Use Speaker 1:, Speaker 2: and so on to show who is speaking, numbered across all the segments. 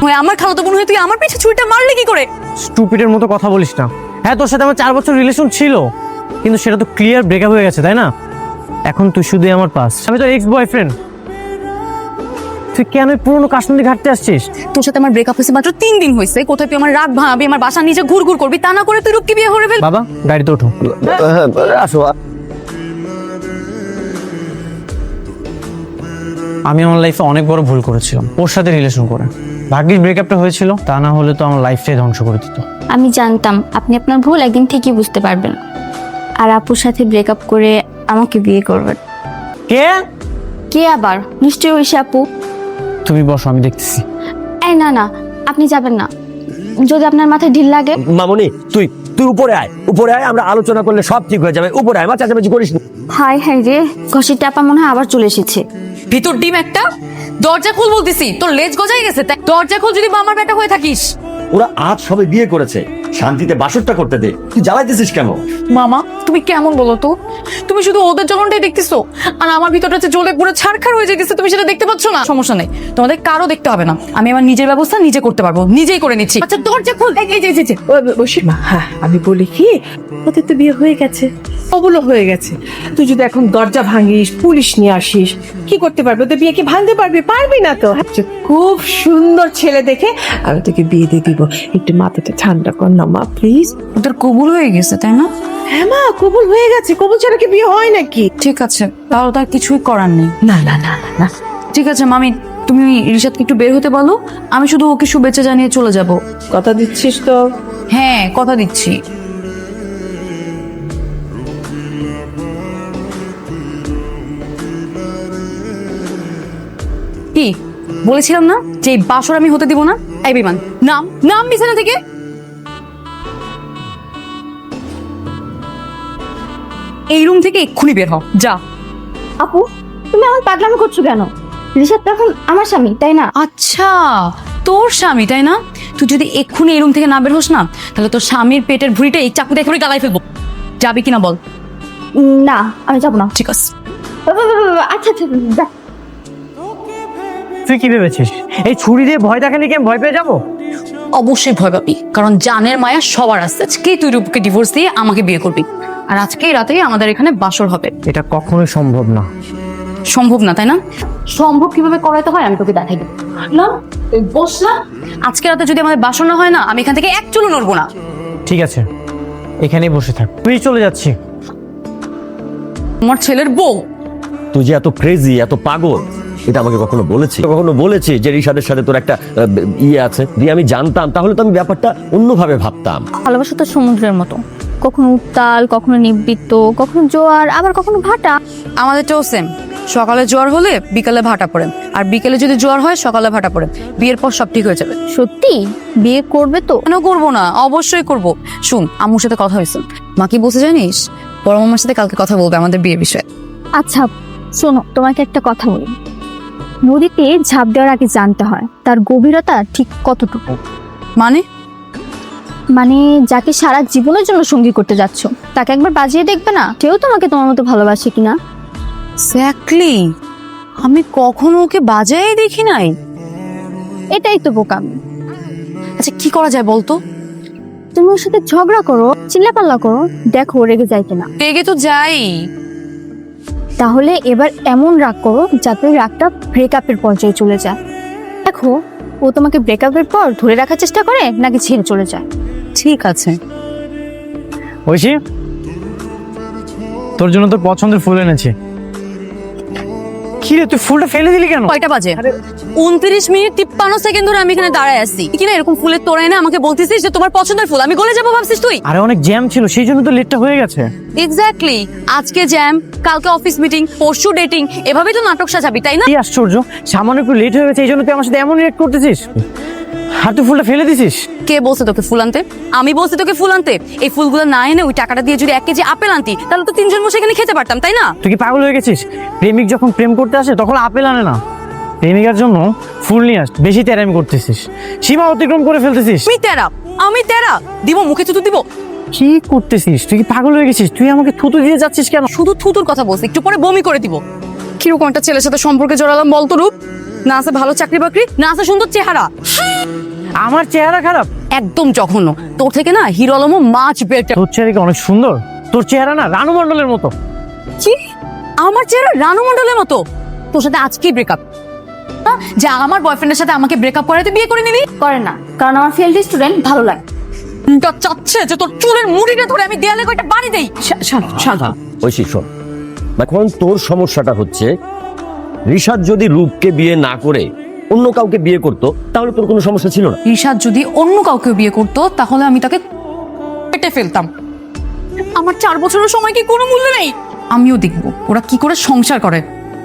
Speaker 1: আমার খালাতো বোন হয়ে তুই আমার পিছে ছুরিটা মারলি কি করে?
Speaker 2: স্টুপিডের মতো কথা বলিস না। হ্যাঁ, তোর সাথে আমার 4 বছর রিলেশন ছিল, কিন্তু সেটা তো ক্লিয়ার ব্রেকআপ হয়ে গেছে, তাই না? এখন তুই শুধুই আমার পাস, আমি তোর এক্স বয়ফ্রেন্ড। তুই কেন পুরোনো কাশ্মীরি ঘাটতে আসছিস?
Speaker 1: তোর সাথে আমার ব্রেকআপ হয়েছে মাত্র 3 দিন হয়েছে, কোথায় তুই আমার রাগ ভাঙাবি, আমার বাসা নিচে ঘুরঘুর করবি, তা না করে তুই রূপকে বিয়ে করে ফেল।
Speaker 2: বাবা, গাড়িতে ওঠো।
Speaker 3: আসো।
Speaker 2: আমি আমার লাইফে অনেক বড় ভুল করেছিলাম ওর সাথে রিলেশন করে। ভাগ্যিস ব্রেকআপটা হয়েছিল, তা না হলে তো আমার লাইফটাই ধ্বংস করে দিত।
Speaker 4: আমি জানতাম আপনি আপনার ভুল একদিন ঠিকই বুঝতে পারবেন, আর আপুর সাথে ব্রেকআপ করে আমাকে বিয়ে করবেন।
Speaker 2: কে?
Speaker 4: কে আবার? নিশ্চয়ই ওই সে আপু।
Speaker 2: তুমি বসো, আমি দেখতেছি।
Speaker 4: এই না না, আপনি যাবেন না, যদি আপনার মাথায় ঢিল লাগে।
Speaker 3: মামুনি, তুই উপরে আয়, আমরা আলোচনা করলে সব ঠিক হয়ে যাবে। উপরে আয়, মা চাচামেচি করিস না।
Speaker 4: হাই হাই রে, ঘষির টাপা মনে হয় আবার চলে এসেছে।
Speaker 1: ভিতর ডিম একটা, দরজা খুল বলতেছি, তোর লেজ গজাই গেছে, তাই দরজা খুল যদি আমার বেটা হয়ে থাকিস।
Speaker 3: ওরা আজ সবে বিয়ে করেছে, শান্তিতে বাসরটা করতে দে, তুই জ্বালাইতেছিস কেন?
Speaker 1: মামা তুমি কেমন বলো তো? তুমি শুধু ওদের জ্বলনটাই দেখতেছো, আর আমার ভিতরটা হচ্ছে জ্বলে পুরো ছারখার হয়ে যেতেছে, তুমি সেটা দেখতে পাচ্ছ না। সমস্যা নেই, তোমাদের কারো দেখতে হবে না, আমি আমার নিজের ব্যবস্থা নিজে করতে পারবো, নিজেই করে নিচ্ছি। আচ্ছা দরজা খুল।
Speaker 5: বসে মা, হ্যাঁ আমি বলি কি, ওদের তো বিয়ে হয়ে গেছে, ওগুলো হয়ে গেছে। তুই যদি এখন দরজা ভাঙিস, পুলিশ নিয়ে আসিস, কি করতে পারবি? ওদের বিয়ে কি ভাঙতে পারবি? পারবি না তো। খুব সুন্দর ছেলে দেখে আমি তোকে বিয়ে দিয়ে দিব। একটু মাথাটা ঠান্ডা কর না মা, প্লিজ।
Speaker 1: ওদের কবুল হয়ে গেছে তাই না?
Speaker 5: হ্যাঁ মা, কবুল হয়ে গেছে। কবুল ছাড়া কি বিয়ে হয় নাকি?
Speaker 1: ঠিক আছে, তাহলে তো আর কিছুই করার নেই।
Speaker 5: না না না না না।
Speaker 1: ঠিক আছে মামি, তুমি রিশাদকে একটু বের হতে বলো, আমি শুধু ওকে শুভেচ্ছা জানিয়ে চলে যাব।
Speaker 5: কথা দিচ্ছিস তো?
Speaker 1: হ্যাঁ কথা দিচ্ছি। কি বলেছিলাম না যে এই বাসর আমি হতে দিব না? এই বিমান, নাম নাম বিছানা থেকে। এই রুম থেকে এক্ষুনি বের হ, যা।
Speaker 4: আপু, তুমি আমার পাগলামি করছো কেন? রিশাদ তো এখন আমার স্বামী, তাই না?
Speaker 1: আচ্ছা তোর স্বামী তাই না? তুই যদি এক্ষুনি এই রুম থেকে না বের হোস না, তাহলে তোর স্বামীর পেটের ভুঁড়িটা এই চাকুতে এক্ষুনি গালায় ফেলবো। যাবি কিনা বল?
Speaker 4: না, আমি যাবো না।
Speaker 1: ঠিক আছে।
Speaker 4: আচ্ছা আচ্ছা, যা।
Speaker 2: তুই কি ভেবেছিস এই ছুরি দিয়ে ভয় দেখানি কি আমি ভয় পেয়ে যাবো?
Speaker 1: অবশ্যই ভয় পাবি, কারণ জানের মায়া সবার আছে। আজকে তুই রূপকে ডিভোর্স দিয়ে আমাকে বিয়ে করবি, আর আজকেই রাতেই আমাদের এখানে বাসর হবে।
Speaker 2: এটা কখনোই সম্ভব না।
Speaker 1: সম্ভব না তাই না? সম্ভব কিভাবে করাইতে হয় আমি তোকে দেখাই দেব। না তুই বস না, আজকে রাতে যদি আমাদের বাসর না হয় না, আমি এখান থেকে এক চুলও নড়বো না।
Speaker 2: ঠিক আছে, এখানেই বসে থাক, তুই চলে যাচ্ছি।
Speaker 1: আমার ছেলের বউ।
Speaker 3: তুই যে এত ক্রেজি, এত পাগল, এটা আমাকে কখনো বলেছি যে রিশাদের সাথে তোর একটা ইয়ে আছে? দিয়ে আমি জানতাম, তাহলে তো আমি ব্যাপারটা অন্যভাবে ভাবতাম।
Speaker 4: ভালোবাসা তো সমুদ্রের মতো, কখনো উত্তাল, কখনো নিবৃত্ত, কখনো জোয়ার, আবার কখনো ভাটা।
Speaker 1: আমাদেরটাও সেম, সকালে জোয়ার হলে বিকালে ভাটা পড়ে, আর বিকেলে যদি জোয়ার হয় সকালে ভাটা পড়ে। বিয়ের পর সব ঠিক হয়ে যাবে।
Speaker 4: সত্যি বিয়ে করবে তো?
Speaker 1: কেন করবো না, অবশ্যই করব। শুন, আম্মুর সাথে কথা হয়েছে, মা কি বলছে জানিস? বড় মামার সাথে কালকে কথা বলবে আমাদের বিয়ের বিষয়ে।
Speaker 4: আচ্ছা শোনো, তোমাকে একটা কথা বলি। নদীতে ঝাঁপ দেওয়ার আগে জানতে হয় তার গভীরতা ঠিক কতটুকু।
Speaker 1: মানে?
Speaker 4: মানে যাকে সারা জীবনের জন্য সঙ্গী করতে যাচ্ছ, তাকে একবার বাজিয়ে দেখবে না কেউ তোমাকে তোমার মতো ভালোবাসে কিনা।
Speaker 1: এক্স্যাক্টলি, আমি কখনো ওকে বাজায় দেখি নাই।
Speaker 4: এটাই তো বোকামি।
Speaker 1: আচ্ছা কি করা যায় বলতো?
Speaker 4: তুমি ওর সাথে ঝগড়া করো, চিল্লাপাল্লা করো, দেখো ও রেগে যায় কিনা।
Speaker 1: রেগে তো যাই।
Speaker 4: তাহলে এবার এমন রাগ করো যাতে রাগটা ব্রেকআপের পর্যায়ে চলে যায়। দেখো ও তোমাকে ব্রেকআপের পর ধরে রাখার চেষ্টা করে নাকি ছেড়ে চলে যায়।
Speaker 1: ঠিক আছে।
Speaker 2: ঐশী, তোর জন্য তোর পছন্দের ফুল এনেছি। কি রে, তুই ফুলটা ফেলে দিলি কেন?
Speaker 1: কয়টা বাজে? 29 মিনিট 53 সেকেন্ড ধরে আমি এখানে দাঁড়ায় আছি। কিনা এরকম ফুলের তোড়া এনে আমাকে বলতেছিস যে তোমার পছন্দের ফুল, আমি গলে যাবো ভাবছিস তুই?
Speaker 2: আরে অনেক জ্যাম ছিল, সেই জন্য তো লেটটা হয়ে গেছে।
Speaker 1: এক্স্যাক্টলি, আজকে জ্যাম, কালকে অফিস মিটিং, পরশু ডেটিং, এভাবেই তো নাটক সাজাবি তাই না?
Speaker 2: কি আশ্চর্য, সামান্য একটু লেট হয়ে গেছে এই জন্য তুই আমার সাথে এমন রিয়েক্ট করতেছিস, আর তুই ফুলটা ফেলে দিছিস।
Speaker 1: কে বলছে তোকে ফুল আনতে? আমি বলছি তোকে ফুল আনতে? এই ফুলগুলো না এনে ওই টাকাটা দিয়ে যদি 1 কেজি আপেল আনতি, তাহলে তো 3 জন বসে এখানে খেতে পারতাম তাই না?
Speaker 2: তুই কি পাগল হয়ে গেছিস? প্রেমিক যখন প্রেম করতে আসে তখন আপেল আনে না, প্রেমিকার জন্য ফুল নিয়ে আস। বেশি তেরামি করতেছিস, সীমা অতিক্রম করে ফেলতেছিস।
Speaker 1: আমি তেরা দিব, মুখে থুতু দিব।
Speaker 2: কি করতেছিস? তুই কি পাগল হয়ে গেছিস? তুই আমাকে থুতু দিয়ে যাচ্ছিস কেন?
Speaker 1: শুধু থুতুর কথা বলছি, একটু পরে বমি করে দিব। কিরকম একটা ছেলের সাথে সম্পর্কে জড়ালাম বলতো রূপ? না আছে ভালো চাকরি বাকরি, না আছে সুন্দর চেহারা।
Speaker 2: আমার চেহারা খারাপ?
Speaker 1: একদম জঘন্য। তোর থেকে না হিরো আলমও মাছ বেটার।
Speaker 2: তোর চেহারা কি অনেক সুন্দর? তোর চেহারা না রানু মণ্ডলের মতো।
Speaker 1: কি? আমার চেহারা রানু মণ্ডলের মতো? তোর সাথে আজকেই ব্রেকআপ? যে আমার বয়ফ্রেন্ডের সাথে আমাকে ব্রেকআপ করাতে বিয়ে করে নিলি?
Speaker 4: করে না, কারণ আমার ফেল্ড স্টুডেন্ট ভালো লাগে।
Speaker 1: চাচ্ছে যে তোর চুলের মুড়িটা ধরে আমি দেয়ালে কয়টা বাড়ি দেই।
Speaker 5: শান্ত।
Speaker 3: ঐশী শোন, এখন তোর সমস্যাটা হচ্ছে ঋষাদ যদি রূপকে বিয়ে না করে অন্য কাউকে বিয়ে করতো তাহলে তোর কোনো সমস্যা ছিল না।
Speaker 1: ঋষাদ যদি অন্য কাউকে বিয়ে করতো তাহলে আমি তাকে কেটে ফেলতাম। আমার 4 বছরের সময় কি কোনো মূল্য নেই? আমিও দেখবো ওরা কি করে সংসার করে।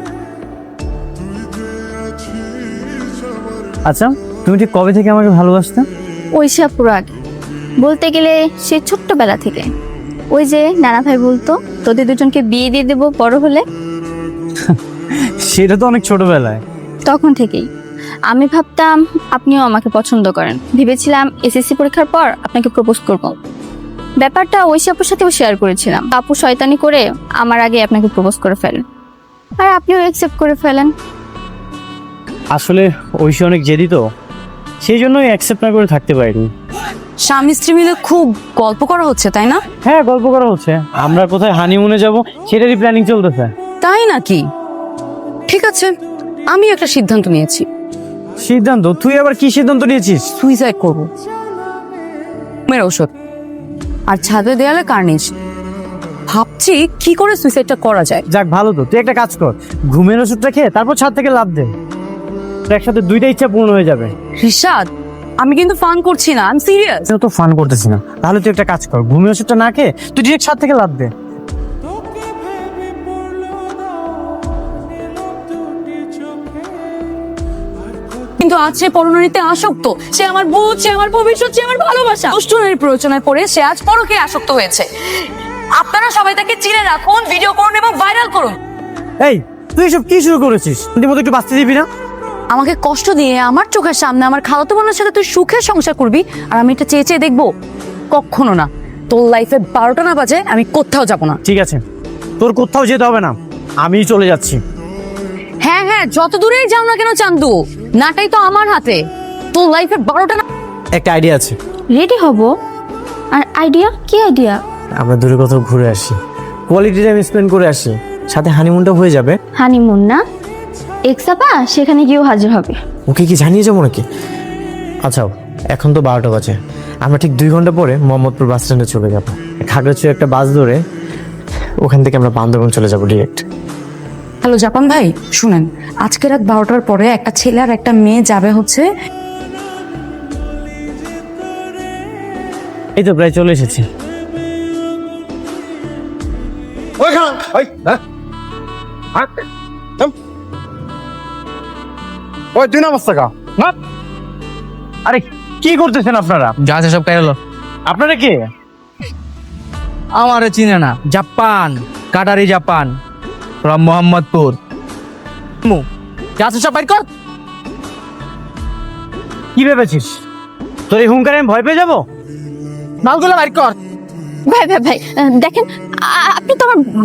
Speaker 2: আচ্ছা, তুমি ঠিক কবে থেকে আমাকে ভালোবাসতে?
Speaker 4: ঐশী আপুর আগে, বলতে গেলে সে ছোট্টবেলা থেকে। ওই যে নানা ভাই বলতো তোদের দুজনকে বিয়ে দিয়ে দেবো বড় হলে,
Speaker 2: সেটা তো অনেক ছোটবেলায়।
Speaker 4: তখন থেকেই আমি ভাবতাম আপনিও আমাকে পছন্দ করেন। ভেবেছিলাম এসএসসি পরীক্ষার পর আপনাকে প্রপোজ করব। ব্যাপারটা ঐশী আপুর সাথেও শেয়ার করেছিলাম। আপু শয়তানি করে আমার আগে আপনাকে প্রপোজ করে ফেলেন, আর আপনিও অ্যাকসেপ্ট করে ফেলেন।
Speaker 2: আসলে ঐশী অনেক জেদি তো, সেই জন্যই অ্যাকসেপ্ট না করে থাকতে পারিনি।
Speaker 1: স্বামী স্ত্রী মিলে খুব গল্প করা হচ্ছে, তাই না?
Speaker 2: হ্যাঁ, গল্প করা হচ্ছে। আমরা কোথায় হানিমুনে যাব সেটারই প্ল্যানিং চলতেছে।
Speaker 1: তাই নাকি? ঠিক আছে, আমি একটা সিদ্ধান্ত নিয়েছি।
Speaker 2: সিদ্ধান্ত? তুই আবার কি সিদ্ধান্ত নিয়েছিস?
Speaker 1: সুইসাইড করবো। মেয়ের ঔষধ আর ছাদে দেয়ালে কার্নিশ। ভাবছি কি করে সুইসাইডটা করা যায়।
Speaker 2: যাক, ভালো তো। তুই একটা কাজ কর, ঘুমের ওষুধটা খেয়ে তারপর ছাদ থেকে লাফ দে। একসাথে দুইটা ইচ্ছা পূর্ণ হয়ে যাবে।
Speaker 1: ঋষাদ, আমি কিন্তু ফান করছি না, আমি সিরিয়াস।
Speaker 2: তুই তো ফান করতেছি না। তাহলে তুই একটা কাজ কর, ঘুমের ওষুধটা না খেয়ে তুই ডিরেক্ট ছাদ থেকে লাফ দে।
Speaker 1: কিন্তু আজ সে পরনারীতে আসক্ত। সে আমার ভূত, সে আমার ভবিষ্যৎ, সে আমার ভালোবাসা। দুষ্টুনের প্ররোচনায় পড়ে সে আজ পরকে আসক্ত হয়েছে। আপনারা সবাই তাকে চিনে রাখুন, ভিডিও করুন এবং ভাইরাল করুন।
Speaker 2: এই, তুই এসব কি শুরু করেছিস? তুই মতো একটু বাঁচতে দিবি না?
Speaker 1: আমাকে কষ্ট দিয়ে আমার চোখের সামনে আমার খালাতো বোনের সাথে তুই সুখে সংসার করবি, আর আমি এটা চেয়ে চেয়ে দেখবো? কখনো না। তোর লাইফে 12টা না বাজে আমি কোথাও যাব না।
Speaker 2: ঠিক আছে, তোর কোথাও যেতে হবে না, আমিই চলে যাচ্ছি।
Speaker 1: হ্যাঁ হ্যাঁ, যত দূরেই যাও না কেন চান্দু, নাটাই তো আমার হাতে। তোর লাইফে 12টা না।
Speaker 2: একটা আইডিয়া আছে।
Speaker 4: রেডি হব? আর আইডিয়া? কি আইডিয়া?
Speaker 2: আমরা দূরে কোথাও ঘুরে আসি, কোয়ালিটি টাইম স্পেন্ড করে আসি, সাথে হানিমুনটাও হয়ে যাবে।
Speaker 4: হানিমুন না, এক্সাপা সেখানে গিয়েও হাজির হবে।
Speaker 2: ওকে কি জানিয়ে যাবো নাকি? আচ্ছা, এখন তো 12টা বাজে। আমরা ঠিক 2 ঘন্টা পরে মোহাম্মদপুর বাস স্ট্যান্ডে চলে যাবো। খাগড়াছড়ি একটা বাস ধরে ওখান থেকে আমরা বান্দরবান চলে যাবো ডিরেক্ট।
Speaker 1: হ্যালো জাপান ভাই, শুনেন, আজকে রাত 12টার পরে একটা ছেলে আর একটা মেয়ে যাবে হচ্ছে।
Speaker 2: এই তো প্রায় চলে এসেছি।
Speaker 6: ওই 2 নাম্বার টাকা না।
Speaker 2: আরে কি করতেছেন আপনারা?
Speaker 6: যা আছে সব কাইলো।
Speaker 2: আপনারা কে?
Speaker 6: আমারে চিনে না? জাপান, কাটারি জাপান, ফ্রম মোহাম্মদপুর। যা আছে সব বাইর কর।
Speaker 2: কি ভেবেছিস তোর এই হুঙ্কারে আমি ভয় পেয়ে যাবো?
Speaker 6: মালগুলো বাইর কর।
Speaker 4: ভাই ভাই ভাই, দেখেন আপনি তো আমার